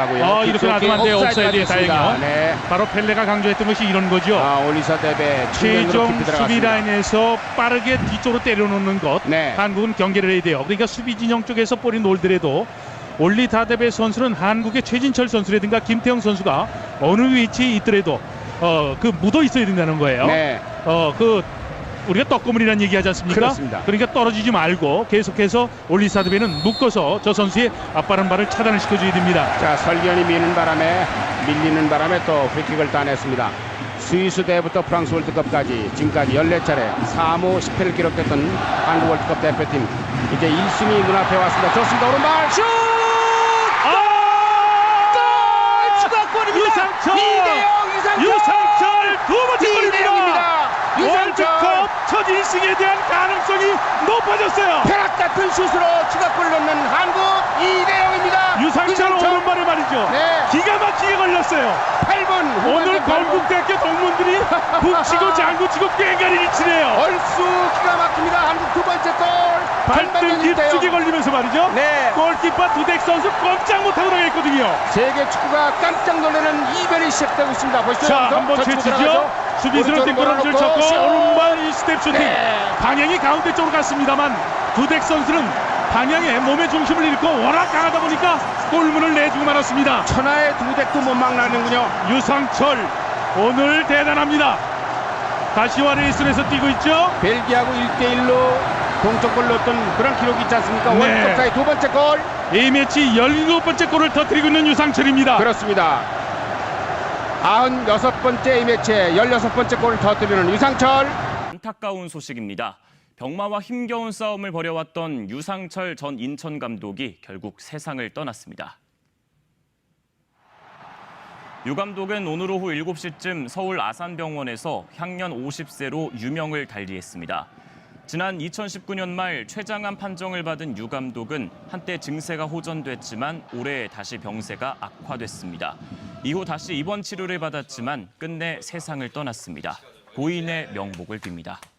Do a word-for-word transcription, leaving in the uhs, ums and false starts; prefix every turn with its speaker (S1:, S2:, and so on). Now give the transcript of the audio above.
S1: 아, 이렇게 놔두면 안 돼요. 옵사이드에 다행이요.
S2: 네.
S1: 바로 펠레가 강조했던 것이 이런 거죠.
S2: 아, 올리사 대배
S1: 최종 수비 라인에서 빠르게 뒤쪽으로 때려놓는 것.
S2: 네.
S1: 한국은 경계를 해야 돼요. 그러니까 수비 진영 쪽에서 볼이 놀더라도 올리 다데베 선수는 한국의 최진철 선수라든가 김태형 선수가 어느 위치에 있더라도 어, 그 묻어 있어야 된다는 거예요.
S2: 네.
S1: 어, 그 우리가 떡고물이라는 얘기하지 않습니까?
S2: 그렇습니다.
S1: 그러니까 떨어지지 말고 계속해서 올리사드베는 묶어서 저 선수의 앞바른 발을 차단을 시켜줘야 됩니다.
S2: 자, 설견이 미는 바람에 밀리는 바람에 또 프리킥을 따냈습니다. 스위스 대회부터 프랑스 월드컵까지 지금까지 열네 차례 삼 호 십 패를 기록했던 한국 월드컵 대표팀, 이제 일 순위 눈앞에 왔습니다. 좋습니다. 오른발 슛!
S1: 아!
S2: 골! 추가골입니다.
S1: 유상철!
S2: 이대영 유상철!
S1: 유상철 두 번째 골입니다.
S2: 이대영입니다. 유상철!
S1: 월드컵 첫 일 승에 대한 가능성이 높아졌어요.
S2: 벼락 같은 슛으로 추가골 넣는 한국 이대영입니다.
S1: 유상철 오른발에 말이죠.
S2: 네.
S1: 기가 막히게 걸렸어요.
S2: 팔 분
S1: 오늘 건국대학교 동문들이 북치고 장구치고 꽹가리를 치네요.
S2: 얼쑤 기가 막힙니다. 한국 두 번째 골.
S1: 발등 깊숙이 걸리면서 말이죠.
S2: 네.
S1: 골키퍼 두덱 선수 꼼짝 못하고 나가있거든요.
S2: 세계 축구가 깜짝 놀라는 이변이 시작되고 있습니다. 보시죠.
S1: 자, 한번 채치죠. 수비수는 뒷걸음질 쳤고 오른발 이 스텝 슈팅.
S2: 네.
S1: 방향이 가운데 쪽으로 갔습니다만 두덱 선수는 방향에 몸의 중심을 잃고 워낙 강하다 보니까 골문을 내주고 말았습니다.
S2: 천하의 두덱도 못 막나는군요.
S1: 유상철 오늘 대단합니다. 가시와 레이슨에서 뛰고 있죠.
S2: 벨기에하고 일 대 일로 동점골 넣었던 그런 기록이 있지 않습니까?
S1: 네.
S2: 월드컵사의 두 번째 골.
S1: A매치 열일곱 번째 골을 터뜨리고 있는 유상철입니다.
S2: 그렇습니다. 구십육 번째 A매치에 열여섯 번째 골을 터뜨리는 유상철.
S3: 안타까운 소식입니다. 병마와 힘겨운 싸움을 벌여왔던 유상철 전 인천 감독이 결국 세상을 떠났습니다. 유 감독은 오늘 오후 일곱 시쯤 서울 아산병원에서 향년 오십 세로 유명을 달리했습니다. 지난 이천십구 년 말 췌장암 판정을 받은 유 감독은 한때 증세가 호전됐지만 올해 다시 병세가 악화됐습니다. 이후 다시 입원 치료를 받았지만 끝내 세상을 떠났습니다. 고인의 명복을 빕니다.